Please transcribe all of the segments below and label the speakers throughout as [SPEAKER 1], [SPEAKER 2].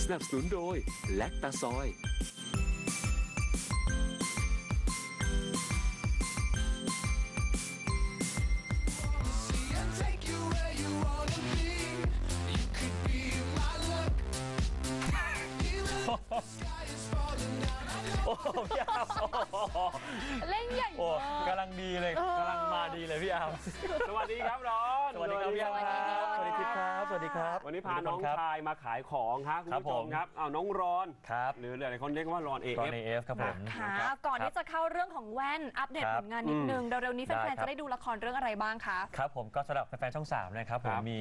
[SPEAKER 1] สนับสนุนโดยแลคตาซอย
[SPEAKER 2] โอ้พี่อาร์ม
[SPEAKER 3] เล่นใหญ่
[SPEAKER 2] โอ้
[SPEAKER 3] มาก
[SPEAKER 2] กำลังดีเลยกำลังมาดีเลยพี่อาร์ม
[SPEAKER 4] สวัสดีครับร้อน
[SPEAKER 2] สวัสดีครับพี่อาร์มครับสวัสดีครับสวัสดีครับ
[SPEAKER 4] วันนี้พาน้องชายมาขายของครับคุณผู้ชมครับน้องร้อน
[SPEAKER 2] ครับ
[SPEAKER 4] หรือหลายคนเรียกว่าร้อน
[SPEAKER 2] ตอน
[SPEAKER 4] AF
[SPEAKER 2] ในเอฟครับผม
[SPEAKER 3] ค่ะก่อนที่จะเข้าเรื่องของแว่นอัปเดต
[SPEAKER 2] ครับ
[SPEAKER 3] ผลงานนิดนึงเร็วๆนี้แฟ
[SPEAKER 2] ได้
[SPEAKER 3] น
[SPEAKER 2] ครับ
[SPEAKER 3] ๆจะได้ดูละครเรื่องอะไรบ้างคะ
[SPEAKER 2] ครับผมก็สำหรับแฟนๆช่อง 3 นะครับผ
[SPEAKER 4] ค
[SPEAKER 2] ม
[SPEAKER 4] รับ
[SPEAKER 2] มี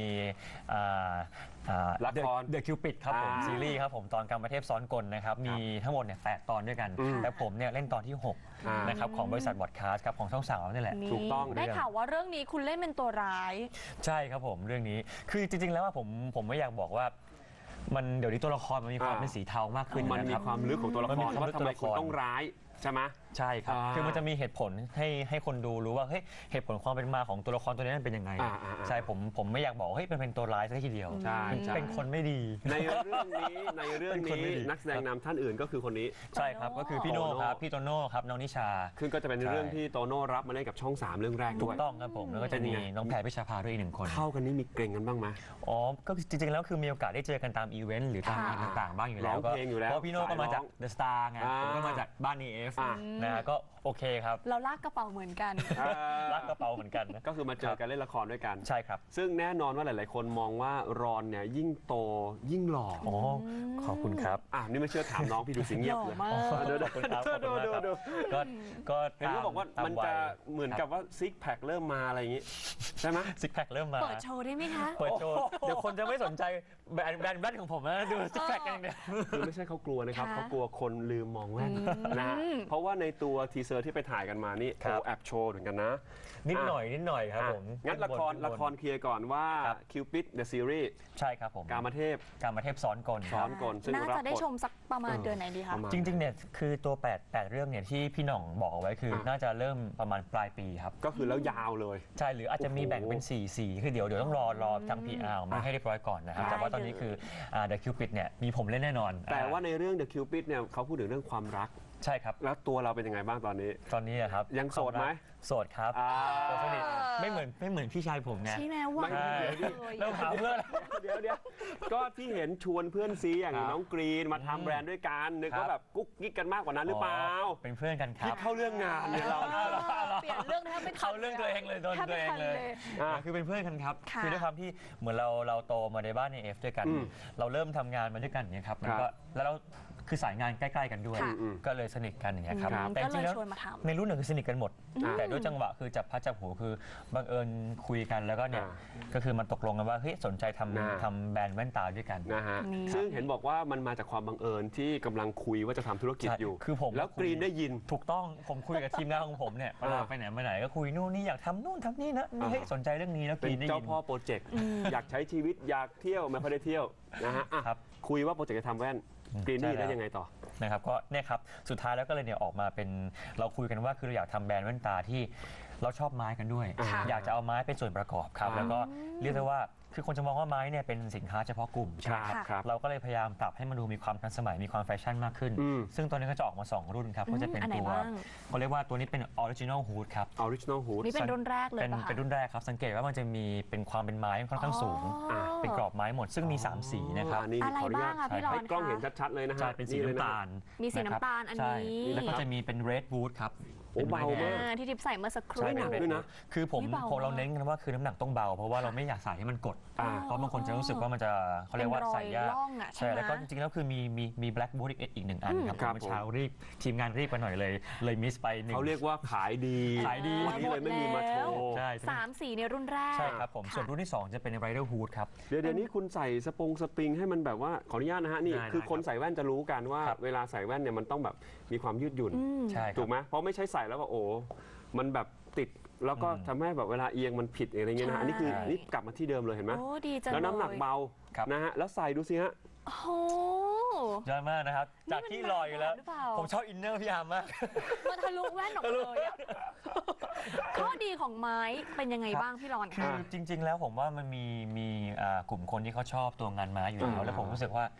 [SPEAKER 4] ละคร
[SPEAKER 2] เดอะคิวปิดครับผมซีรีส์ครับผมตอนกรรมเทพซ้อนกลนะครับมีทั้งหมดเนี่ย8ตอนด้วยกัน แต่ผมเนี่ยเล่นตอนที่6นะครับของบริษัทบอดคาสต์ครับของช่อง3นี่แหละ
[SPEAKER 4] ถูกต้อง
[SPEAKER 3] ได้ข่าวว่าเรื่องนี้คุณเล่นเป็นตัวร้าย
[SPEAKER 2] ใช่ครับผมเรื่องนี้คือจริงๆแล้วว่าผมไม่อยากบอกว่ามันเดี๋ยวนี้ตัวละครมันมีความเป็นสีเทามากขึ้น
[SPEAKER 4] มัน
[SPEAKER 2] นะ
[SPEAKER 4] มี
[SPEAKER 2] ครับ
[SPEAKER 4] ความลึกของตัวละค
[SPEAKER 2] มันมี
[SPEAKER 4] ร
[SPEAKER 2] ความลึ
[SPEAKER 4] ว่าก ทำไม
[SPEAKER 2] ตัวละค
[SPEAKER 4] คุณ
[SPEAKER 2] ร
[SPEAKER 4] ต้องร้ายใช่ไหม
[SPEAKER 2] ใช่ครับ คือมันจะมีเหตุผลให้คนดูรู้ว่าเฮ้ยเหตุผลความเป็นมาของตัวละครตัวนี้มันเป็นยังไงใช่ผมไม่อยากบอกเฮ้ยมันเป็นตัวร้ายซะทีเดียว
[SPEAKER 4] ใช่ใช่
[SPEAKER 2] เป็นคนไม่ดี
[SPEAKER 4] ในเรื่องนี้
[SPEAKER 2] เป็นคนไม่ดี
[SPEAKER 4] นักแสดงนำท่านอื่นก็คือคนนี้
[SPEAKER 2] ใช่ครับก็คือพี่โน่ครับพี่โตโน่ครับน้องนิชา
[SPEAKER 4] ซึ่งก็จะเป็นเรื่องที่โตโน่รับมาเล่นกับช่อง 3 เรื่องแรก
[SPEAKER 2] ถู
[SPEAKER 4] ด้ว
[SPEAKER 2] ก
[SPEAKER 4] ย
[SPEAKER 2] ต้องครับผมแล้วก็จะมีน้องแพรพิชาภาด้วยอีก1 คน
[SPEAKER 4] เข้ากันนี่มีเกรงกันบ้างไหม
[SPEAKER 2] อ๋อก็จริงๆแล้วคือมีโอกาสได้เจอกันตามอีเวนต์หรือตามงานต่างๆบ้างอยู่แล้ว
[SPEAKER 4] ร้องเพลงอยู่แล้ว
[SPEAKER 2] เพราะพี่โน่ก็มาจาก
[SPEAKER 4] สายร้อง
[SPEAKER 2] เดอะสตาร์ไงผมก็มาจากบ้านเอฟ
[SPEAKER 4] อ่า
[SPEAKER 2] นะก็โอเคครับ
[SPEAKER 3] เราลากกระเป๋าเหมือนกัน
[SPEAKER 2] รักกระเป๋าเหมือนกันนะ
[SPEAKER 4] ก็คือมาเจอกันเล่นละครด้วยกัน
[SPEAKER 2] ใช่ครับ
[SPEAKER 4] ซึ่งแน่นอนว่าหลาย ๆ คนมองว่ารอนเนี่ยยิ่งโตยิ่งหล่อ
[SPEAKER 2] อ๋อขอบคุณครับ
[SPEAKER 4] นี่ไม่เชื่อถามน้องพี่ดูสิเงียบเลย
[SPEAKER 3] หล่อมาก
[SPEAKER 2] ขอบคุณครับขอบคุณมากครับ
[SPEAKER 4] ดู
[SPEAKER 2] ก็
[SPEAKER 4] เห็นเขาบอกว่ามันจะเหมือนกับว่าซิกแพคเริ่มมาอะไรอย่างงี้ใช่ไหม
[SPEAKER 2] ซิกแพคเริ่มมา
[SPEAKER 3] เปิดโชว์ได้ไหมคะ
[SPEAKER 2] เปิดโชว์เดี๋ยวคนจะไม่สนใจแบรนด์ของผมนะดูซิกแพคกันอย่างเดียว
[SPEAKER 4] คือไม่ใช่เขากลัวนะครับ
[SPEAKER 3] ค่ะ
[SPEAKER 4] เขากลัวคนลืมมองแว่นนะฮะเพราะว่าในตัวทีเซอร์ที่ไปถ่ายกันมานี่
[SPEAKER 2] ครับ
[SPEAKER 4] แอบโชว์เหมือนกันนะ
[SPEAKER 2] นิดหน่อยครับผม
[SPEAKER 4] งั้นละครเคลียร์ก่อนว่า
[SPEAKER 2] ครับ
[SPEAKER 4] Cupid the Series
[SPEAKER 2] ใช่ครับผม
[SPEAKER 4] กามเทพ
[SPEAKER 2] การมาเทพซ้อนกล
[SPEAKER 4] ซ้อนกลซึ่ง
[SPEAKER 3] น่า
[SPEAKER 4] รับ
[SPEAKER 3] จะได้
[SPEAKER 4] บท
[SPEAKER 3] ชมสักประมาณเดือนไหนดีคะ
[SPEAKER 4] ประมาณ
[SPEAKER 2] จริงๆเนี่ยคือตัว8เรื่องเนี่ยที่พี่หน่องบอกเอาไว้คือน่าจะเริ่มประมาณปลายปีครับ
[SPEAKER 4] ก็คือแล้วยาวเลย
[SPEAKER 2] ใช่หรืออาจจะมีแบ่งเป็น4สีคือเดี๋ยวต้องรอทาง PR ออกมาให้เรียบร้อยก่อนนะครับ
[SPEAKER 3] ได้
[SPEAKER 2] แต่ว่าตอนนี้คือThe Cupid เนี่ยมีผมเล่นแน่นอน
[SPEAKER 4] แต่ว่าในเรื่อง The Cupid เนี่ยเขาพูดถึงเรื่องความรัก
[SPEAKER 2] ใช่ครับ
[SPEAKER 4] แล้วตัวเราเป็นยังไงบ้างตอนนี้
[SPEAKER 2] ตอนนี้อะครับ
[SPEAKER 4] ยังโสดไหม
[SPEAKER 2] โสดครับ โสดสนิทไม่เหมือนพี่ชายผมไง
[SPEAKER 3] ใช่ไหมหวาน
[SPEAKER 2] ใช่
[SPEAKER 3] เลย
[SPEAKER 2] แล้วถามเพื่อน
[SPEAKER 4] เดี๋ยวก็ที่เห็นชวนเพื่อนซีอย่าง
[SPEAKER 2] ครับ
[SPEAKER 4] น้องกรีนมาทำแบรนด์ด้วยกันนึก
[SPEAKER 2] ครับ
[SPEAKER 4] ว่าแบบกุ๊กกิ๊กกันมากกว่านั้นหรือเปล่า
[SPEAKER 2] เป็นเพื่อนกันค
[SPEAKER 4] ที่
[SPEAKER 2] รับ
[SPEAKER 4] เข้าเรื่องงานเนี่ยเรา
[SPEAKER 3] เปลี่ยนเรื่องแทบไม่ทัน
[SPEAKER 2] เขาเรื่องตัวเองเลยโดน
[SPEAKER 3] แทบ
[SPEAKER 2] ตัว
[SPEAKER 3] ไม่
[SPEAKER 2] เอง
[SPEAKER 3] ทัน
[SPEAKER 2] เลย คือเป็นเพื่อนกันครับ
[SPEAKER 3] ค่ะ
[SPEAKER 2] คือด้วยความที่เหมือนเราโตมาในบ้านในเอฟด้วยกัน เราเริ่มทำงานมาด้วยกันอย่างเงี้ยครับมันก็แล้วเราคือสายงานใกล้ๆกันด้วย
[SPEAKER 3] ค่ะ
[SPEAKER 2] ก็เลยสนิทกันอย่างเงี้ยครับ
[SPEAKER 4] ครับ
[SPEAKER 2] แต่จริงๆแล้ว
[SPEAKER 3] ก็เลยชวนมาทำ
[SPEAKER 2] ในรุ่นหนึ่งคือสนิทกันหมด แต่ด้วยจังหวะคือจับพัดจับผูคือบังเอิญคุยกันแล้วก็เนี่ยก็คือมันตกลงกันว่าเฮ้ยสนใจทำแบรนด์แว่นตาด้วยกัน
[SPEAKER 4] นะฮะ
[SPEAKER 3] นี่
[SPEAKER 4] ซึ่งเห็นบอกว่ามันมาจากความบังเอิญที่กำลังคุยว่าจะทำธุรกิจ
[SPEAKER 2] ใช่
[SPEAKER 4] อยู่
[SPEAKER 2] คือผม
[SPEAKER 4] แล้วกรีนได้ยิน
[SPEAKER 2] ถูกต้องผมคุยกับทีมงานของผมเนี่ยเวลาไปไหนมาไหนก็คุยนู่นนี่อยากทำนู่นทำนี่นะนี่เฮ้ยสนใจเรื่องนี้แล้วก
[SPEAKER 4] เป็
[SPEAKER 2] รี
[SPEAKER 4] น
[SPEAKER 2] นได้
[SPEAKER 4] เจ้า
[SPEAKER 2] ยิน
[SPEAKER 4] พ่อโปรเจกต์อยากใช้ชีวิตอยากเที่ยวไม่ค่อยได้เที่ยวนะฮะอ่ะ
[SPEAKER 2] ครับ
[SPEAKER 4] คุยว่าโปรเจกต์จะทำแว่นกรีน
[SPEAKER 2] ใช่
[SPEAKER 4] นี่
[SPEAKER 2] แล้ว
[SPEAKER 4] ได้ยังไงต่อ
[SPEAKER 2] นะครับก็เนี่ยครับสุดท้ายแล้วก็เลยเนี่ยออกมาเป็นเราคุยกันว่าคือเราอยากทำแบรนด์แว่นตาที่เราชอบไม้กันด้วย
[SPEAKER 4] ค่ะ
[SPEAKER 2] อยากจะเอาไม้เป็นส่วนประกอบครับแล้วก็เรียกได้ว่าคือคนจะมองว่าไม้เนี่ยเป็นสินค้าเฉพาะกลุ่มใช่ไหม
[SPEAKER 4] ครับ
[SPEAKER 2] ครับเราก็เลยพยายามปรับให้มันดูมีความทันสมัยมีความแฟชั่นมากขึ้น ซึ่งตัวนี้ก็จะออกมา 2 รุ่นครับก็จะเป็น
[SPEAKER 3] อันไหน
[SPEAKER 2] ตัว
[SPEAKER 3] บ้าง
[SPEAKER 2] เขาเรียกว่าตัวนี้เป็นออริจินอลฮูดครับ
[SPEAKER 4] Original Hood
[SPEAKER 3] นี่เป็นรุ่นแรกเลย
[SPEAKER 2] เป็น
[SPEAKER 3] ป่ะคะ
[SPEAKER 2] เป็นรุ่นแรกครับสังเกตว่ามันจะมีเป็นความเป็นไม้ค่อนข้างสูง
[SPEAKER 3] อ๋อ
[SPEAKER 2] เป็นกรอบไม้หมดซึ่งมี 3 สีนะครับ
[SPEAKER 4] อันนี้
[SPEAKER 3] อะไร
[SPEAKER 4] ขออนุญาต
[SPEAKER 3] บ้างอะพี่รอน
[SPEAKER 4] ให้กล้อง
[SPEAKER 3] คะ
[SPEAKER 4] เห็นชัดๆเลยนะฮะ
[SPEAKER 2] ใช่เป็นสี
[SPEAKER 4] เลยะ
[SPEAKER 2] น้ำตาล
[SPEAKER 3] มีสี
[SPEAKER 2] ะครับ
[SPEAKER 3] น้ำตาลอัน
[SPEAKER 2] ใช่
[SPEAKER 3] นี้
[SPEAKER 2] แล้วก็จะมีเป็น red wood ครับ
[SPEAKER 4] โอ้เบามาก
[SPEAKER 3] ที่ทิปใส่เมื่อสักครู่
[SPEAKER 2] ใช่เป็น
[SPEAKER 4] ด้วยนะ
[SPEAKER 2] คือผม
[SPEAKER 3] อุ๊ยเบา
[SPEAKER 2] เราเน้นกันว่าคือน้ำหนักต้องเบา เพราะว่าเราไม่อยากใส่ให้มันกด เพราะบางคนจะรู้สึกว่ามันจะเขาเรียกว่าใส่ยาก
[SPEAKER 3] เป็นรอยร่องอะใช่ไหม
[SPEAKER 2] แล้วก็จริงๆแล้วคือมี black wood อีกหนึ่งอันครับ
[SPEAKER 4] ครับ
[SPEAKER 2] เมื่อเช้ารีบทีมงานรีบไปหน่อยเลยมิสไปหนึ่ง
[SPEAKER 4] เขาเรียกว่าขายดี
[SPEAKER 2] ขายดี
[SPEAKER 4] วันนี้เลยไม่มีมาโชว์
[SPEAKER 2] ใช่
[SPEAKER 3] 3 สีในรุ่นแรก
[SPEAKER 2] ใช่ครับผมส่วนรุ่นที่ 2 จะเป็น rider hood ครับ
[SPEAKER 4] เดี๋ยวนี้คุณใส่สปริงให้มันแบบว่าขออนุญาตนะฮะนี่
[SPEAKER 2] ได้
[SPEAKER 4] คือคนใส่แว่นจะรู้กันว่า
[SPEAKER 2] ครับ
[SPEAKER 4] เวลาใส่แว่นเนี่ยมันต้องแบบมีความยืดหยุ่น
[SPEAKER 2] ใช่ครับ
[SPEAKER 4] ถูกไหมเพราะไม่ใช่ใส่แล้วก็โอ้มันแบบติดแล้วก็ทำให้แบบเวลาเอียงมันผิดอะไรเงี้ยนะฮะอันนี้คือ
[SPEAKER 3] ใช่
[SPEAKER 4] นี่กลับมาที่เดิมเลยเห็นไหม
[SPEAKER 3] โอ้ดีจัง
[SPEAKER 4] แล้วน้ำหนัก
[SPEAKER 3] เลย
[SPEAKER 4] เบา
[SPEAKER 2] ครับ
[SPEAKER 4] นะฮะแล้วใส่ดูสิฮะ
[SPEAKER 3] โอ้โห
[SPEAKER 2] ยอดมากนะครับจากที่ลอยอยู่แล้ว
[SPEAKER 3] หรือเปล่า
[SPEAKER 2] ผมชอบอินเนอร์พี่อาร์มมาก
[SPEAKER 3] มันทะลุแว่นออกมาเลยอะข้อดีของไม้เป็นยังไงบ้างพี่รอน
[SPEAKER 2] คื
[SPEAKER 3] คะ
[SPEAKER 2] อจริง ๆ แล้วผมว่ามันมีกลุ่มคนที่เขาชอบตัวงานไม้อยู่แล้วแล้วผมรู้สึกว่า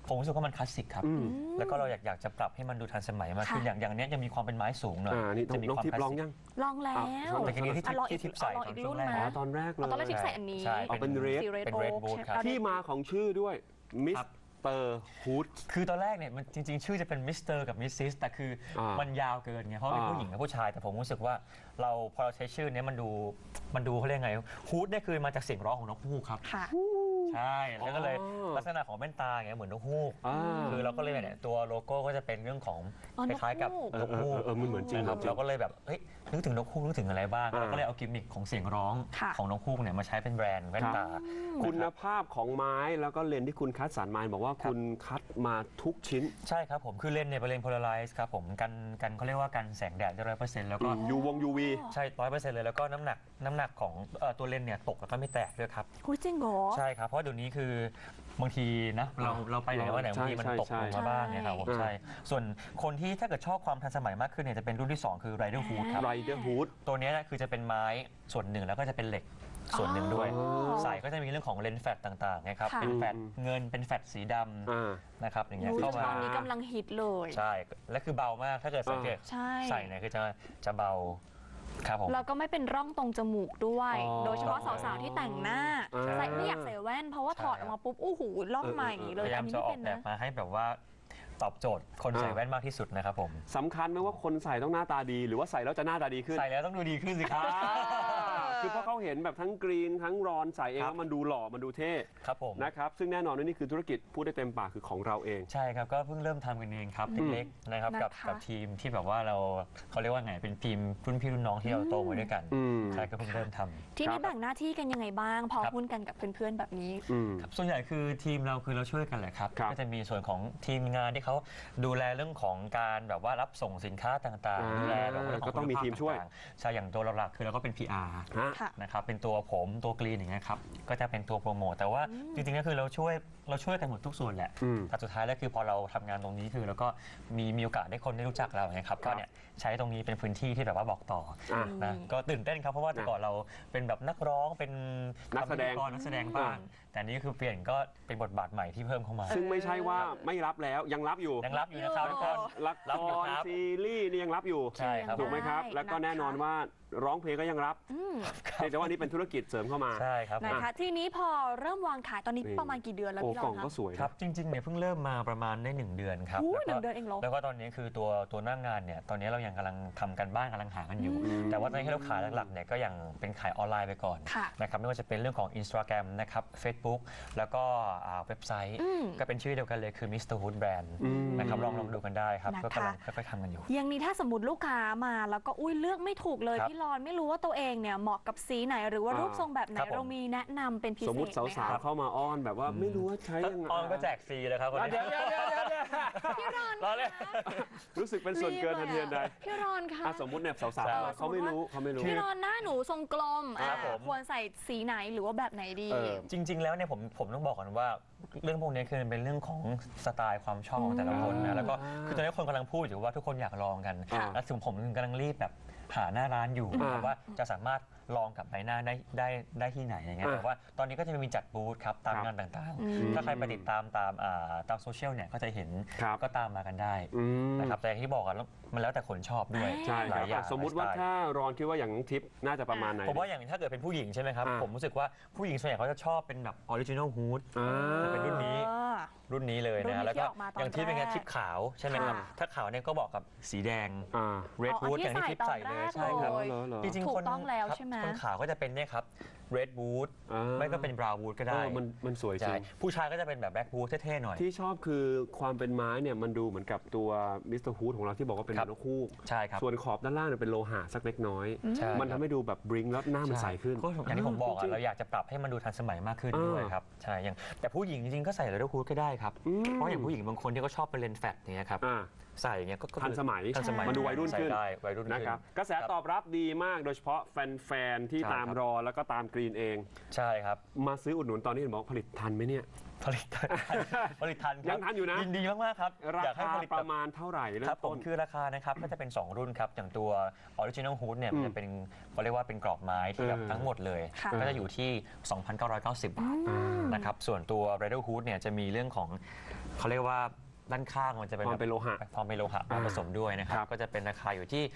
[SPEAKER 2] ผมรู้สึกว่ามันคลาสสิกครับ แล้วก็เราอยากจะปรับให้มันดูทันสมัยมากขึ้น
[SPEAKER 3] ค่ะ
[SPEAKER 2] อย่างเนี้ยยังมีความเป็นไม้สูงหน่อย
[SPEAKER 4] นี่
[SPEAKER 2] จะมี
[SPEAKER 4] น้อง
[SPEAKER 2] ความ
[SPEAKER 4] ทิพ
[SPEAKER 2] ค
[SPEAKER 4] ย์
[SPEAKER 2] ลา
[SPEAKER 4] ลอง
[SPEAKER 2] สสิก
[SPEAKER 4] ยัง
[SPEAKER 3] ลองแล้ว
[SPEAKER 2] แต่ทีนี้ที่
[SPEAKER 3] ลองอี
[SPEAKER 2] ที่
[SPEAKER 3] ก
[SPEAKER 2] ทิปใส่
[SPEAKER 3] ลอง
[SPEAKER 2] ตอ
[SPEAKER 3] อี
[SPEAKER 2] น
[SPEAKER 3] ก
[SPEAKER 2] ช่
[SPEAKER 3] รุ่
[SPEAKER 2] วง
[SPEAKER 3] น
[SPEAKER 2] แรก
[SPEAKER 3] ไหม
[SPEAKER 4] ตอนแรกเลย
[SPEAKER 3] ตอนแรกทิปใส่อันนี้
[SPEAKER 2] ใช่
[SPEAKER 4] เป็นเรด
[SPEAKER 3] สีเรด
[SPEAKER 2] เป็น
[SPEAKER 3] โอ๊
[SPEAKER 2] Red
[SPEAKER 3] ค
[SPEAKER 2] Boot ครับ
[SPEAKER 3] เอาดิ
[SPEAKER 4] ที่มาของชื่อด้วยมิสเตอร์ฮูด
[SPEAKER 2] คือตอนแรกเนี่ยมันจริงๆ ชื่อจะเป็นมิสเตอร์กับมิสซิสแต่คือมันยาวเกินไงเพราะเป็นผู้หญิงกับผู้ชายแต่ผมรู้สึกว่าพอเราใช้ชื่อเนี้ยมันดูเขาเรียกไงฮูดเนี่ยคือมาจากเสียงร้องของนกฮูกครับ
[SPEAKER 3] ค่ะ
[SPEAKER 2] ใช่แล้วก็เลยลักษณะของแว่นตาเงี้ยเหมือนนกฮูก
[SPEAKER 4] อ่า
[SPEAKER 2] คือเราก็เลยเนี่ยตัวโลโก้ก็จะเป็นเรื่องของ
[SPEAKER 3] อ๋อ
[SPEAKER 2] คล้ายๆกับ
[SPEAKER 3] นกฮูก
[SPEAKER 2] นกฮูก
[SPEAKER 4] มันเหมือนจริง
[SPEAKER 2] นะครับ
[SPEAKER 4] จริง
[SPEAKER 2] เราก็เลยแบบเฮ้ยนึกถึงนกฮูกนึกถึงอะไรบ้าง
[SPEAKER 4] อ่า
[SPEAKER 2] เราก็เลยเอากิมมิคของเสียงร้อง
[SPEAKER 3] ค่ะ
[SPEAKER 2] ของนกฮูกเนี่ยมาใช้เป็นแบรนด์แว่นตา
[SPEAKER 4] คุณภาพของไม้แล้วก็เลนส์ที่คุณคัดสรรมาบอกว่าคุณคัดมาทุกชิ้น
[SPEAKER 2] ใช่ครับผมคือเลนส์เนี่ยเป็นเลนส์โพลาไรซ์ครับผมกันเขาเรียกว่ากันแสงแดดได้100%แล้วก็
[SPEAKER 4] UV
[SPEAKER 2] ใช่100%เลยแล้วก็น้ำหนักของตัวเลนส์เนี่ยตกแล้วก็ไม่แตกด้วยครับ
[SPEAKER 3] คุยจริงเหรอ
[SPEAKER 2] ใช่ครับเพราะเดี๋ยวนี้คือบางทีนะเราไปไหนว่าไหนบางทีมันตกลงมาบ้างเนี่ยครับผม
[SPEAKER 4] ใช่
[SPEAKER 2] ใช่ส่วนคนที่ถ้าเกิดชอบความทันสมัยมากขึ้นเนี่ยจะเป็นรุ่นที่ 2 คือ Rider Hood ครับ
[SPEAKER 4] Rider Hood
[SPEAKER 2] ตัวเนี้ยนะคือจะเป็นไม้ส่วนหนึ่งแล้วก็จะเป็นเหล็กส่วนหนึ่งด้วย
[SPEAKER 3] อ๋อ
[SPEAKER 2] ใส่ก็จะมีเรื่องของเลนส์แฟตต่างๆนะครับ
[SPEAKER 3] ค่ะ
[SPEAKER 2] เป็นแฟตเงินเป็นแฟตสีด
[SPEAKER 4] อ่า
[SPEAKER 2] ำนะครับอย่างเงี้ย
[SPEAKER 3] รู้
[SPEAKER 2] เข้า
[SPEAKER 3] ต
[SPEAKER 2] มา
[SPEAKER 3] อนนี้กำลังฮิตเลย
[SPEAKER 2] ใช่และคือเบามากถ้าเกิดสังเกต
[SPEAKER 3] ใช่
[SPEAKER 2] ใส่เนี่ยคือจะเบาครับผม
[SPEAKER 3] แล้วก็ไม่เป็นร่องตรงจมูกด้วย
[SPEAKER 4] อ๋อ
[SPEAKER 3] โดยเฉพาะสาวๆที่แต่งหน้า
[SPEAKER 4] อ่า
[SPEAKER 3] ใส่ไม่อยากใส่แว่นเพราะว่าถอดออกมาปุ๊บอู้หูร่องมาอย่างนี้เล
[SPEAKER 2] พ
[SPEAKER 3] ย
[SPEAKER 2] ยายา
[SPEAKER 3] อั
[SPEAKER 2] ม
[SPEAKER 3] นนี้
[SPEAKER 2] จะ
[SPEAKER 3] ไม่
[SPEAKER 2] ออ
[SPEAKER 3] เป็
[SPEAKER 2] ก
[SPEAKER 3] น
[SPEAKER 2] แบบ
[SPEAKER 3] นะ
[SPEAKER 2] มาให้แบบว่าตอบโจทย์คนใส่แว่นมากที่สุดนะครับผม
[SPEAKER 4] สำคัญไหมว่าคนใส่ต้องหน้าตาดี หรือว่าใส่แล้วจะหน้าตาดีขึ้น
[SPEAKER 2] ใส่แล้วต้องดูดีขึ้นสิครับ
[SPEAKER 4] คือเพราะเขาเห็นแบบทั้งกรีนทั้งรอนใส่เอง
[SPEAKER 2] ครับ
[SPEAKER 4] แล้วมันดูหล่อมันดูเท่
[SPEAKER 2] ครับผม
[SPEAKER 4] นะครับซึ่งแน่นอนว่านี่คือธุรกิจพูดได้เต็มปากคือของเราเอง
[SPEAKER 2] ใช่ครับก็เพิ่งเริ่มทำกันเองครับเล็กๆนะครับกับทีมที่แบบว่าเขาเรียกว่าไงเป็นทีมรุ่นพี่รุ่นน้องที่เราโตมาด้วยกัน
[SPEAKER 4] อืม
[SPEAKER 2] ใช่ก็เพิ่งเริ่มทำ
[SPEAKER 3] ทีนี้แบ่งหน้าที่กันยังไงบ้าง พอ
[SPEAKER 2] ครับ
[SPEAKER 3] หุ้นกันกับเพื่อนๆแบบนี้
[SPEAKER 4] อืม
[SPEAKER 2] ส่วนใหญ่คือทีมเราคือเราช่วยกันแหละครับ
[SPEAKER 4] ครับ
[SPEAKER 2] ก็จะมีส่วนของทีมงานที่เขาดูแลเรื่องของการแบบว่ารับส่งสินค้าต่างๆดูแลเรื่องข
[SPEAKER 4] ก็ต้องมีทีมช่วย
[SPEAKER 2] คุณภาพต่างๆใช่อย่างตัวหลักๆคือเราก็เป็น PR
[SPEAKER 4] ฮะ
[SPEAKER 3] ค่ะ
[SPEAKER 2] นะครับเป็นตัวผมตัวกรีนอย่างเงี้ยครับก็จะเป็นตัวโปรโมทแต่ว่าจริงๆก็คือเราช่วยกันหมดทุกส่วนแหละ
[SPEAKER 4] อืม
[SPEAKER 2] แต่สุดท้ายแล้วคือพอเราทำงานตรงนี้คือเราก็มีโอกาสได้คนได้รู้จักเราไงครับก็เนี่ยใช้ตรงนี้เป็นพื้นที่ที่แบบว่าบอกต่อ
[SPEAKER 4] อ่ะ
[SPEAKER 2] นะก็ตื่นเต้นครับเพราะว่าแต่ก่อนเราเป็นแบบนักร้องเป็น
[SPEAKER 4] นักแสดง
[SPEAKER 2] พิธีกรนักแสดงบ้างแต่นี่คือเปลี่ยนก็เป็นบทบาทใหม่ที่เพิ่มเข้ามา
[SPEAKER 4] ซึ่งไม่ใช่ว่าไม่รับแล้วยังรับอยู่
[SPEAKER 2] ยังรับอยู่นะครับทุกคน
[SPEAKER 4] ละ
[SPEAKER 2] รับ
[SPEAKER 4] ค
[SPEAKER 2] อยู่
[SPEAKER 4] ร
[SPEAKER 2] ครับ
[SPEAKER 4] ซีรีส์นี่ยังรับอยู่
[SPEAKER 2] ใช่ครับ
[SPEAKER 4] ถูกไหมครับ
[SPEAKER 3] ได้
[SPEAKER 4] แล้วก็แน่นอนว่าร้องเพลงก็ยังรับ
[SPEAKER 3] อืม
[SPEAKER 4] แต่ว่านี่เป็นธุรกิจเสริมเข้ามา
[SPEAKER 2] ใช่ครับ
[SPEAKER 3] นะคะทีนี้พอเริ่มวางขายตอนนี้
[SPEAKER 4] นี่
[SPEAKER 3] ประมาณกี่เดือนแล้ว
[SPEAKER 4] โอ้
[SPEAKER 3] พี่ร
[SPEAKER 4] กล่
[SPEAKER 3] อ
[SPEAKER 4] อง
[SPEAKER 3] น
[SPEAKER 4] ก็
[SPEAKER 3] คะ
[SPEAKER 4] สวย
[SPEAKER 2] ครับจริงๆเนี่ยเพิ่งเริ่มมาประมาณได้1 เดือนครับ
[SPEAKER 3] อู้
[SPEAKER 2] แล้วก็
[SPEAKER 3] 1 เดือนเองเหรอ
[SPEAKER 2] แล้วก็ตอนนี้คือตัวหน้างานเนี่ยตอนนี้เรายังกำลังทำกันบ้านกำลังหากันอยู่
[SPEAKER 4] อืม
[SPEAKER 2] แต่ว่าตอนนี้ที่เราขายหลักๆเนี่ยก็ยังเป็นขายออนไลน์ไปก่อน
[SPEAKER 3] ค่ะ
[SPEAKER 2] นะครับไม่ว่าจะเป็นเรื่องของ Instagram นะครับ Facebook แล้วก็เว็บไซต์
[SPEAKER 3] อืม
[SPEAKER 2] ก็เป็นชื่อเดียวกันเลยคือ Mr. Hood Brand นะครับลองดูกันได้ครับ
[SPEAKER 3] นะคะ
[SPEAKER 2] ก็กำลังค่อยๆทำกันอยู่
[SPEAKER 3] อย่างนี้ถ้าสมมติลูกค้ามาแล้วก็อุ้ยเลือกไม่ถูกเลย
[SPEAKER 2] ครับ
[SPEAKER 3] พี่รอนไม่รู้ว่าตัวเองเนี่ยเหมาะกับสีไหนหรือว่ารูปทรงแบบไหน
[SPEAKER 2] ครับผม
[SPEAKER 3] เรามีแนะนำเป็นพิเศษ
[SPEAKER 4] สมมติ
[SPEAKER 3] ไห
[SPEAKER 4] สาว
[SPEAKER 3] คะ
[SPEAKER 4] ๆเข้ามาอ้อนแบบว่าไม่รู้ว่าใช้ยังไง
[SPEAKER 2] ออนก็แจกฟรีเลยครับวันนี้
[SPEAKER 4] เดี๋ยว
[SPEAKER 3] พี่รอน
[SPEAKER 2] รอเลย
[SPEAKER 4] รู้สึกเป็นส่วนเกินทันทีทันใด
[SPEAKER 3] พี่รอนคะ
[SPEAKER 4] อ่ะสมมติเนี่ยสาว
[SPEAKER 2] ใช่
[SPEAKER 4] ๆเขาไม่รู้เขาไม่รู้
[SPEAKER 3] พี่รอนหน้าหนูทรงกลม
[SPEAKER 2] ครับผม
[SPEAKER 3] ควรใส่สีไหนหรือว่าแบบไหนดี
[SPEAKER 4] เออ
[SPEAKER 2] จริง ๆ แล้วเนี่ยผมต้องบอกก่อนว่าเรื่องพวกนี้คือมันเป็นเรื่องของสไตล์ความชอบของแต่ละคนนะแล้วก็คือตอนนี้คนกำลังพูดอยู่ว่าทุกคนอยากลองกัน
[SPEAKER 4] ค่ะ
[SPEAKER 2] แล้วถึงผมกำลังรีบแบบหาหน้าร้านอยู่นะครับว่าจะสามารถลองกับใบหน้าได้ที่ไหนอย่างเงี้ยแต่ว่าตอนนี้ก็จะมีจัดบูธครับตามงานต่าง
[SPEAKER 3] อืม
[SPEAKER 2] ๆ ถ้าใครไปติดตามโซเชียลเนี่ยก็จะเห็น
[SPEAKER 4] ครับ
[SPEAKER 2] ก็ตามมากันได้
[SPEAKER 4] อืม
[SPEAKER 2] นะครับแต่อย่างที่บอกกันมันแล้วแต่คนชอบด้วย
[SPEAKER 4] ใช่
[SPEAKER 2] ห
[SPEAKER 4] ค
[SPEAKER 2] ลา
[SPEAKER 4] รั
[SPEAKER 2] ยอย่าง
[SPEAKER 4] บสมมุติว่า
[SPEAKER 2] หลยสไตล์
[SPEAKER 4] ถ้ารอนคิดว่าอย่างน้องทิพย์น่าจะประมาณไหน
[SPEAKER 2] ผมว่าอย่างถ้าเกิดเป็นผู้หญิงใช่ไหมครับ
[SPEAKER 4] อ่า
[SPEAKER 2] ผมรู้สึกว่าผู้หญิงส่วนใหญ่เขาจะชอบเป็นแบบออริจินอลฮูด
[SPEAKER 4] อ่า
[SPEAKER 2] จะเป็นรุ่นนี้
[SPEAKER 3] เออ
[SPEAKER 2] รุ่นนี้เลย
[SPEAKER 3] รุ่นนี้
[SPEAKER 2] นะแล้วก็
[SPEAKER 3] ที่ออกมาตอน
[SPEAKER 2] อย่างที่เป็นไง
[SPEAKER 3] แรก
[SPEAKER 2] ทิปขาวใช่ไหมครับ
[SPEAKER 3] ค่ะ
[SPEAKER 2] ถ้าขาวเนี่ยก็บอกกับสีแดง
[SPEAKER 4] อ่า
[SPEAKER 2] red
[SPEAKER 3] อ๋อ
[SPEAKER 2] wood
[SPEAKER 3] ที่
[SPEAKER 2] อย่างที่ทิป
[SPEAKER 3] ใส่
[SPEAKER 2] ใส่
[SPEAKER 3] ตอน
[SPEAKER 2] เลย
[SPEAKER 3] แรก
[SPEAKER 2] ใช่ครับ
[SPEAKER 3] เลย
[SPEAKER 4] เหรอ
[SPEAKER 2] จริง
[SPEAKER 3] ถู
[SPEAKER 2] ๆ
[SPEAKER 3] ก
[SPEAKER 2] คน
[SPEAKER 3] ต้องแล้ว
[SPEAKER 2] ครับ
[SPEAKER 3] ใช่ไหม
[SPEAKER 2] คนขาวก็จะเป็นเนี่ยครับ red wood
[SPEAKER 4] อ่า
[SPEAKER 2] ไม่ก็เป็น brown wood ก็ได้
[SPEAKER 4] มันสวยจริ
[SPEAKER 2] ใช่
[SPEAKER 4] ง
[SPEAKER 2] ผู้ชายก็จะเป็นแบบ black wood เท่ๆหน่อย
[SPEAKER 4] ที่ชอบคือความเป็นไม้เนี่ยมันดูเหมือนกับตัวมิสเตอร์ฮูดของเราที่บอกว่าเป็น
[SPEAKER 2] ครับ
[SPEAKER 4] นกฮูก
[SPEAKER 2] ใช่ครับ
[SPEAKER 4] ส่วนขอบด้านล่างเนี่ยเป็นโลหะสักเล็กน้อย
[SPEAKER 2] ใช่
[SPEAKER 4] มันทำให้ดูแบบบริงแล้วหน้ามันใสขึ้น
[SPEAKER 2] ก็อย่างที่ผมบอก
[SPEAKER 4] จริ
[SPEAKER 2] อะ
[SPEAKER 4] งๆ
[SPEAKER 2] เราอยากจะปรับให้มันดูทันสมัยมากขึ้น
[SPEAKER 4] อ่า
[SPEAKER 2] ด้วยครับใช่อย่างแต่ผู้หญิงจริงๆก็ใส่เลเดอร์ฮูดก็ได้ครับ
[SPEAKER 4] อืม
[SPEAKER 2] เพราะอย่างผู้หญิงบางคนที่เขาชอบเป็นเลนส์แฟตอย่างเงี้ยครับ
[SPEAKER 4] อ่า
[SPEAKER 2] ใส่อย่างเงี้ยก็
[SPEAKER 4] ทันสมัย
[SPEAKER 2] ทันสมัย
[SPEAKER 4] มันดูวัยรุ่นขึ้น
[SPEAKER 2] ใส่ได้วัยรุ่น
[SPEAKER 4] นะ
[SPEAKER 2] ขึ้น
[SPEAKER 4] ครับกระแสตอบรับดีมากโดยเฉพาะแฟนๆที่
[SPEAKER 2] ใช่
[SPEAKER 4] ตาม
[SPEAKER 2] ครับ
[SPEAKER 4] รอแล้วก็ตามกรีนเอง
[SPEAKER 2] ใช่ครับ
[SPEAKER 4] มาซื้ออุดหนุนตอนนี้เห็นบอกผลิตทันไหมเนี่ย
[SPEAKER 2] ผลิตทันผลิตทันครับ
[SPEAKER 4] ยังทันอยู่นะ
[SPEAKER 2] ยินดีมากๆครับ
[SPEAKER 4] รา
[SPEAKER 2] อยากให้
[SPEAKER 4] คา
[SPEAKER 2] ผลิต
[SPEAKER 4] ป
[SPEAKER 2] แบ
[SPEAKER 4] ระ
[SPEAKER 2] บ
[SPEAKER 4] มาณเท่าไหร่เริ่
[SPEAKER 2] ครับ
[SPEAKER 4] ม
[SPEAKER 2] ผ
[SPEAKER 4] ต้
[SPEAKER 2] ม
[SPEAKER 4] น
[SPEAKER 2] คือราคานะครับก็จะเป็น 2 รุ่นครับอย่างตัว Original Hood เนี่ย
[SPEAKER 4] อืม
[SPEAKER 2] มันจะเป็นเขาเรียกว่าเป็นกรอบไม้ที่แบบ
[SPEAKER 4] เออ
[SPEAKER 2] ทั้งหมดเลย
[SPEAKER 3] ค่ะ
[SPEAKER 2] ก็จะอยู่ที่ 2,990 บาท
[SPEAKER 3] อืม
[SPEAKER 2] นะครับส่วนตัว Rider Hood เนี่ยจะมีเรื่องของเขาเรียกว่าด้านข้างมันจะเป็น
[SPEAKER 4] พร้อมเป็นโลหะ
[SPEAKER 2] พร้อมเป็นโลหะมาผสมด้วยนะครั
[SPEAKER 4] ครับ บ
[SPEAKER 2] ก็จะเป็นราคาอยู่ที่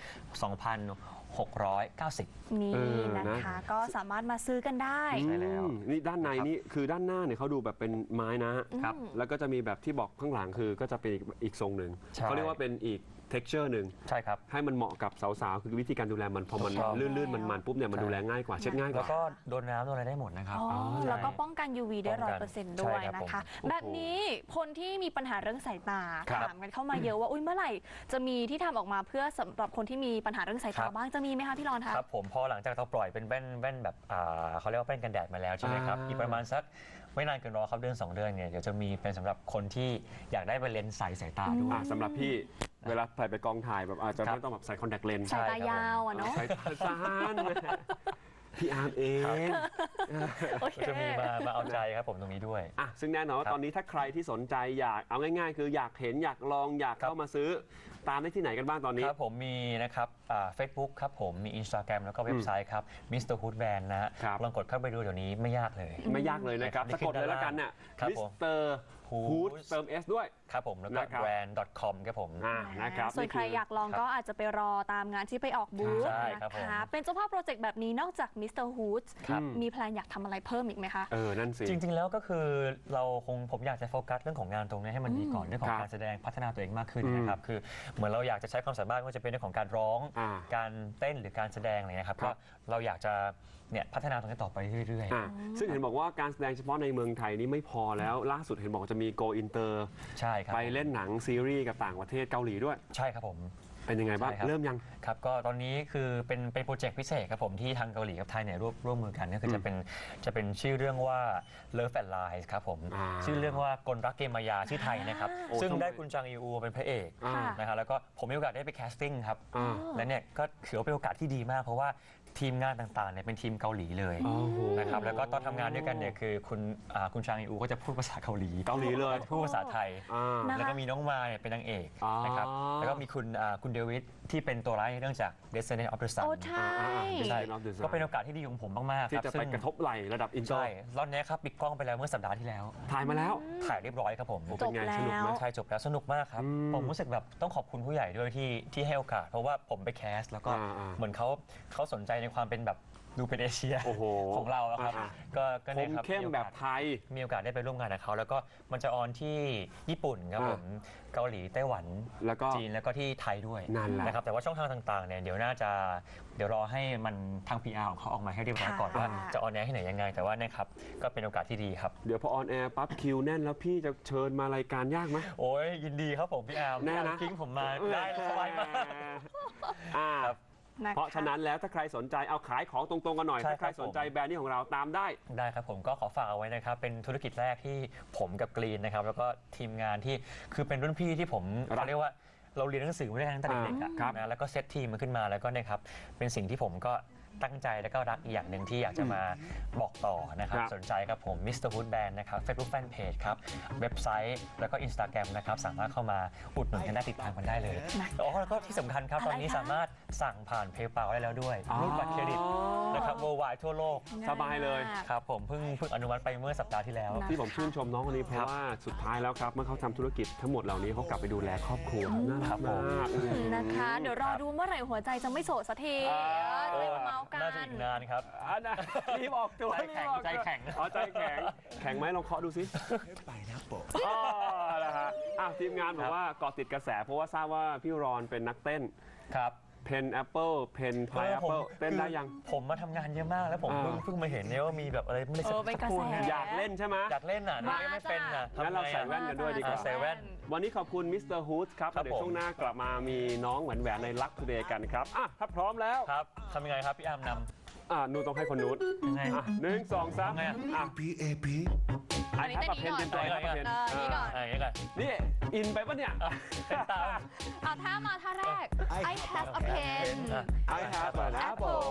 [SPEAKER 2] 2,690
[SPEAKER 3] นี่
[SPEAKER 4] นะ
[SPEAKER 3] นะคะ ก็สามารถมาซื้อกันได้
[SPEAKER 2] ใช่แล้ว
[SPEAKER 4] นี่ด้านในนี่คือด้านหน้าเนี่ยเขาดูแบบเป็นไม้นะฮะ
[SPEAKER 2] ครับ
[SPEAKER 4] แล้วก็จะมีแบบที่บอกข้างหลังคือก็จะเป็นอีกทรงหนึ่ง
[SPEAKER 2] ใช่
[SPEAKER 4] เขาเรียกว่าเป็นอีก texture หนึ่ง
[SPEAKER 2] ใช่ครับ
[SPEAKER 4] ให้มันเหมาะกับสาวๆ คือวิธีการดูแลมันพอมัน
[SPEAKER 2] ถูกต้อง
[SPEAKER 4] ลื่นๆ มันๆปุ๊บเนี่ยมันดูแลง่ายกว่าเช็ดง่ายก
[SPEAKER 2] แล้ว
[SPEAKER 4] ว่า
[SPEAKER 2] ก็โดนน้ำโดนอะไรได้หมดนะครับ
[SPEAKER 3] อ๋อ
[SPEAKER 2] ใช่
[SPEAKER 3] แล้วก็ป้องกัน UV ได้
[SPEAKER 2] ป้องกัน
[SPEAKER 3] 100%ด้วย
[SPEAKER 2] ใช่ครับ
[SPEAKER 3] นะคะ
[SPEAKER 2] ผม
[SPEAKER 3] แบบนี้คนที่มีปัญหาเรื่องสายตา
[SPEAKER 4] ครับ
[SPEAKER 3] ถามกันเข้ามาเยอะว่าอุ้ยเมื่อไหร่จะมีที่ทำออกมาเพื่อสำหรับคนที่มีปัญหาเรื่องสาย
[SPEAKER 2] ครั
[SPEAKER 3] ตา
[SPEAKER 2] บ
[SPEAKER 3] บ้างจะมีไหมคะพี่รอนคะ
[SPEAKER 2] ครับผมพอหลังจากเราปล่อยเป็นแว่นแบบเขาเรียกว่าแว่นกันแดดมาแล้วใช่ไหมครับ
[SPEAKER 4] อ่า
[SPEAKER 2] อีกประมาณสักไม่นานเกินรอครับเดือน 2 เดือนเนี่ยเดี๋ยวจะมีเป็นสำหรับคนที่อยากได้เป็นเลนส์ใสสายตาด้วย
[SPEAKER 4] สำหรับพี่เวลาใส่ไปกองถ่ายแบบอาจจะ
[SPEAKER 2] ครับ
[SPEAKER 4] ไม่ต้องแบบใส่คอนแทคเลนส์
[SPEAKER 3] สายตายาวอะเนาะ
[SPEAKER 4] ใส่ตาสั้นพี่อาร์มเอง
[SPEAKER 3] โอเค
[SPEAKER 2] ก็จะมีมาเอาใจครับผมตรงนี้ด้วย
[SPEAKER 4] อ่ะซึ่งแน่นอนว่า
[SPEAKER 2] ครับ
[SPEAKER 4] ตอนนี้ถ้าใครที่สนใจอยากเอาง่ายๆ คืออยากเห็นอยากลองอยาก
[SPEAKER 2] ครับ
[SPEAKER 4] เข้ามาซื้อตามได้ที่ไหนกันบ้างตอนนี้
[SPEAKER 2] ครับผมมีนะครับFacebook ครับผมมี Instagram แล้วก็เว็บไซต์ครับ Mr. Hood Band นะฮะ
[SPEAKER 4] ครับ
[SPEAKER 2] ลองกดเข้าไปดูเดี๋ยวนี้ไม่ยากเลย
[SPEAKER 4] ไม่ยากเลยนะครับ
[SPEAKER 2] ได้
[SPEAKER 4] สะกดเลยแล้วกันเนี่ย
[SPEAKER 2] ครับ
[SPEAKER 4] มิ
[SPEAKER 2] ผ
[SPEAKER 4] ส
[SPEAKER 2] ม
[SPEAKER 4] เตอร์ฮูด
[SPEAKER 2] Hood
[SPEAKER 4] เติม S ด้วย
[SPEAKER 2] ครับผมแล้วก็
[SPEAKER 4] นะครับ
[SPEAKER 2] brand.com ครับผม
[SPEAKER 4] นะครับ
[SPEAKER 3] ส่วนใครอยากลองก็อาจจะไปรอตามงานที่ไปออกบูธ
[SPEAKER 2] ใช่
[SPEAKER 3] นะครับ
[SPEAKER 2] ผม
[SPEAKER 3] คะเป็นเจ้าภาพโปรเจกต์แบบนี้นอกจาก Mr. Hood
[SPEAKER 2] ครับ
[SPEAKER 3] มีแพลนอยากทำอะไรเพิ่มอีกไหมคะ
[SPEAKER 4] นั่นสิ
[SPEAKER 2] จริงๆ แล้วก็คือผมอยากจะโฟกัสเรื่องของงานตรงนี้ให้มันดีก่อนเรื่องขอ
[SPEAKER 4] ค
[SPEAKER 2] ง
[SPEAKER 4] รับ
[SPEAKER 2] การแสดงพัฒนาตัวเองมากขึ้นนะครับคือเหมือนเราอยากจะใช้ความสามารถไม่ว่าจะเป็นเรื่องของการร้อง การเต้นหรือการแสดงอะไรนะครับ
[SPEAKER 4] ครั
[SPEAKER 2] ก็
[SPEAKER 4] บ
[SPEAKER 2] เราอยากจะเนี่ยพัฒนาตรงนี้ต่อไปเรื่อย
[SPEAKER 4] ซึ่งเห็นบอกว่าการแสดงเฉพาะในเมืองไทยนี่ไม่พอแล้วล่าสุดเห็นบอกจะมี Go Inter
[SPEAKER 2] ๆ ใช่ครับ
[SPEAKER 4] ไปเล่นหนังซีรีส์กับต่างประเทศเกาหลีด้วย
[SPEAKER 2] ใช่ครับผม
[SPEAKER 4] เป็นยังไงบ้าง
[SPEAKER 2] ใช่ครับ
[SPEAKER 4] เริ่มยัง
[SPEAKER 2] ครับก็ตอนนี้คือเป็นโปรเจกต์พิเศษครับผมที่ทางเกาหลีกับไทยเนี่ยร่วมมือกันก็คือจะเป็นชื่อเรื่องว่า Love and Lies ครับผม ชื่อเรื่องว่ากลรักเกมมายาชื่อไทยนะครับ
[SPEAKER 4] โอ้
[SPEAKER 2] ซึ่ง
[SPEAKER 4] ทำไม
[SPEAKER 2] ได้คุณจางอีอูเป็นพระเอก
[SPEAKER 4] อ่า
[SPEAKER 2] นะครับแล้วก็ผมมีโอกาสได้ไปแคสติ้งครับ
[SPEAKER 4] อ่า
[SPEAKER 2] และเนี่ยก็ถือว่าเป็นโอกาสที่ดีมากเพราะว่าทีมงานต่างๆเนี่ยเป็นทีมเกาหลีเลย
[SPEAKER 4] โอ้โห
[SPEAKER 2] นะครับแล้วก็ตอนทำงานด้วยกันเนี่ยคือคุณจางอีอูก็จะพูดภาษาเกาหลี
[SPEAKER 4] เกาหลีเลย
[SPEAKER 2] พูดภาษาไทย
[SPEAKER 3] นะคะ
[SPEAKER 2] แล้วก็มีน้องมายเนี่ยเป็นนางเอก
[SPEAKER 4] อ๋อ
[SPEAKER 2] นะครับแล้วก็มีคุณเดวิดที่เป็นตัวร้ายในเรื่องจาก Descendant of the Sun
[SPEAKER 3] โอ้ใช่
[SPEAKER 2] ใช่
[SPEAKER 4] Descendant of the Sun
[SPEAKER 2] ก็เป็นโอกาสที่ดีของผมมากๆ
[SPEAKER 4] ที่
[SPEAKER 2] ครับ
[SPEAKER 4] จะไป
[SPEAKER 2] ซึ่ง
[SPEAKER 4] กระทบไหลระดับอินเตอ
[SPEAKER 2] ใช่
[SPEAKER 4] ร์
[SPEAKER 2] รอบนี้ครับปิดกล้องไปแล้วเมื่อสัปดาห์ที่แล้ว
[SPEAKER 4] ถ่ายมาแล้ว
[SPEAKER 2] ถ่ายเรียบร้อยครับผม
[SPEAKER 3] จบ
[SPEAKER 4] เป็นไง
[SPEAKER 3] แล้
[SPEAKER 4] สนุกไหม
[SPEAKER 3] ว
[SPEAKER 2] ใช่จบแล้วสนุกมากครับ ผมรู้สึกแบบต้องขอบคุณผู้ใหญ่ด้วยที่ให้โอกาส เพราะว่าผมไปแคสแล้วก็ เหมือนเขาสนใจในความเป็นแบบดูเป็นเอเชีย
[SPEAKER 4] โอ้โห
[SPEAKER 2] ของเราอะครับ ก็
[SPEAKER 4] ค
[SPEAKER 2] เนี่ย
[SPEAKER 4] ม
[SPEAKER 2] ครับ
[SPEAKER 4] เข้มแบบไทย
[SPEAKER 2] มีโอกาสได้ไปร่วมงานกับเขาแล้วก็มันจะออนที่ญี่ปุ่นครับผมเกาหลีไต้หวัน
[SPEAKER 4] แล้วก็
[SPEAKER 2] จีนแล้วก็ที่ไทยด้วย
[SPEAKER 4] นั่นแหละ
[SPEAKER 2] นะครับแต่ว่าช่องทางต่างๆเนี่ยเดี๋ยวรอให้มันทาง PR ของเขาออกมาให้เรียบร้อยก่อน
[SPEAKER 3] ค่ะ
[SPEAKER 2] ว่าจะออนแอร์ที่ไหนยังไง แต่ว่าเนี่ยครับก็เป็นโอกาสที่ดีครับ
[SPEAKER 4] เดี๋ยวพอออนแอร์ปั๊บคิวแน่นแล้วพี่จะเชิญมารายการยากไหม
[SPEAKER 2] โอ้ยยินดีครับผมพี่อาร์ม
[SPEAKER 4] แน่นะ
[SPEAKER 2] ทิ้งผมมาได้สบายมาก
[SPEAKER 4] อ่า
[SPEAKER 2] ครับ
[SPEAKER 3] นะคะ
[SPEAKER 4] เพราะฉะนั้นแล้วถ้าใครสนใจเอาขายของตรงๆกันหน่อย
[SPEAKER 2] ใช่
[SPEAKER 4] ถ้าใคร
[SPEAKER 2] ครับ
[SPEAKER 4] สนใจแบรนด์นี้ของเราตามได้
[SPEAKER 2] ได้ครับผมก็ขอฝากเอาไว้นะครับเป็นธุรกิจแรกที่ผมกับกรีนนะครับแล้วก็ทีมงานที่คือเป็นรุ่นพี่ที่ผม
[SPEAKER 4] รัก
[SPEAKER 2] เขาเรียกว่าเราเรียนหนังสือมาด้วยกันตั้งแต่เด็กๆอะ
[SPEAKER 4] ครับ
[SPEAKER 2] นะแล้วก็เซตทีมมันขึ้นมาแล้วก็เนี่ยครับเป็นสิ่งที่ผมก็ตั้งใจแล้วก็รักอีกอย่างหนึ่งที่อยากจะมาบอกต่อนะครับ
[SPEAKER 4] ครับ
[SPEAKER 2] สนใจครับผม Mr. Hood Band นะครับ Facebook Fanpage ครับเว็บไซต์แล้วก็ Instagram นะครับสามารถเข้ามาอุดหนุนกันได้ติดตามกันได้เลยอ๋อแล้วก็ที่สำคัญครับตอนนี้
[SPEAKER 3] อะไรคะ
[SPEAKER 2] สามารถสั่งผ่าน PayPal ได้แล้วด้วยรูดบัตรเครดิตนะครับ worldwide ทั่วโลก
[SPEAKER 4] สบายเลย
[SPEAKER 2] ครับผมเพิ่งอนุมัติไปเมื่อสัปดาห์ที่แล้ว
[SPEAKER 3] นะ
[SPEAKER 4] ที่ผมชื่นชมน้องคนนี้เพราะว่าสุดท้ายแล้วครับเมื่อเขาทำธุรกิจทั้งหมดเหล่านี้เขากลับไปดูแลครอบครัวน่า
[SPEAKER 2] ครั
[SPEAKER 4] รับ ก
[SPEAKER 2] ผม
[SPEAKER 4] มาก
[SPEAKER 3] นะคะ เดี๋ยวรอดูเมื่อไหร่หัวใจจะไม่โสดสักทีจะได้มาเมาส์กั
[SPEAKER 2] น่าจะอี
[SPEAKER 3] น
[SPEAKER 2] กนานครับ
[SPEAKER 4] อันน่ะรีบออกตัว
[SPEAKER 2] ใจแข็ง
[SPEAKER 4] รีบออกตัว
[SPEAKER 2] ใจแข็ง
[SPEAKER 4] อ๋อใจแข็งแข็งไหมลองเคาะดูสิอ๋อนะฮะทีมงานบอกว่าเกาะติดกระแสเพราะว่าทราบว่าพี่รอนเป็นนักเต้น
[SPEAKER 2] ครับ
[SPEAKER 4] เพนแอปเปิลเพนพายแอปเปิลเต้นได้ยัง
[SPEAKER 2] ผมมาทำงานเยอะมากแล้วผมเพิ่งมาเห็นเนี่ยว่ามีแบบอะไรไม่ได้สัก
[SPEAKER 3] เป็นกระ
[SPEAKER 2] ครู่
[SPEAKER 3] แส
[SPEAKER 2] เนี่ย
[SPEAKER 4] อยากเล่นใช่ไหม
[SPEAKER 2] อยากเล่นอ่ะน้องไม่เป็นอ่ะ
[SPEAKER 4] งั้นเราใส่แว่นกันด้วยดีกว่า
[SPEAKER 2] ใส่แว่น
[SPEAKER 4] วันนี้ขอบคุณมิสเตอร์ฮูดครับ
[SPEAKER 2] ครับ
[SPEAKER 4] เดี๋ยว
[SPEAKER 2] ผม
[SPEAKER 4] ช่วงหน้ากลับมามีน้องแหวนในลักทูเดย์กันครับถ้าพร้อมแล้ว
[SPEAKER 2] ครับทำยังไงครับพี่อาร์มน
[SPEAKER 4] นูต้องให้คนนู้น
[SPEAKER 2] ำยังไง
[SPEAKER 4] 1 2 3
[SPEAKER 2] ทำไงอะ
[SPEAKER 5] AP
[SPEAKER 4] ไอ้ครับเพนเต็มใจครับเพน
[SPEAKER 3] นี่ก่อน
[SPEAKER 2] อย่างนี้ก่อน
[SPEAKER 4] นี่อินไปปะเนี่ย
[SPEAKER 2] เป็นตาม
[SPEAKER 3] เอาท่ามาท่าแรก I have a pen
[SPEAKER 4] I have an apple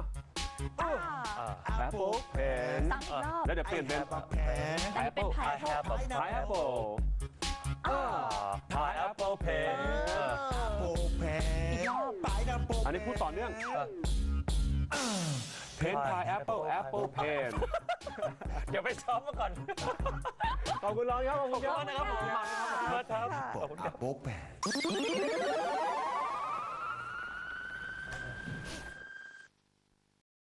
[SPEAKER 4] apple pen
[SPEAKER 3] ซ้ำอีกรอบ
[SPEAKER 4] แล้วเดี๋ยวเปลี่ยนเป็น
[SPEAKER 3] แต่นี่เป็น
[SPEAKER 2] I have a
[SPEAKER 4] pineapple
[SPEAKER 2] pineapple pen
[SPEAKER 4] อันนี้พูดต่อเนื่องเพน pineapple apple pen
[SPEAKER 2] เดี๋ยวไปซ้อมมาก่อน
[SPEAKER 4] ขอบคุณรอนครับขอบ
[SPEAKER 2] ข
[SPEAKER 4] คุ
[SPEAKER 2] อบ
[SPEAKER 4] ณ
[SPEAKER 2] คุณ
[SPEAKER 4] ครับ
[SPEAKER 2] มากนะครับผมขอบคุณมากครับขอบคุณครับ
[SPEAKER 5] Apple Pen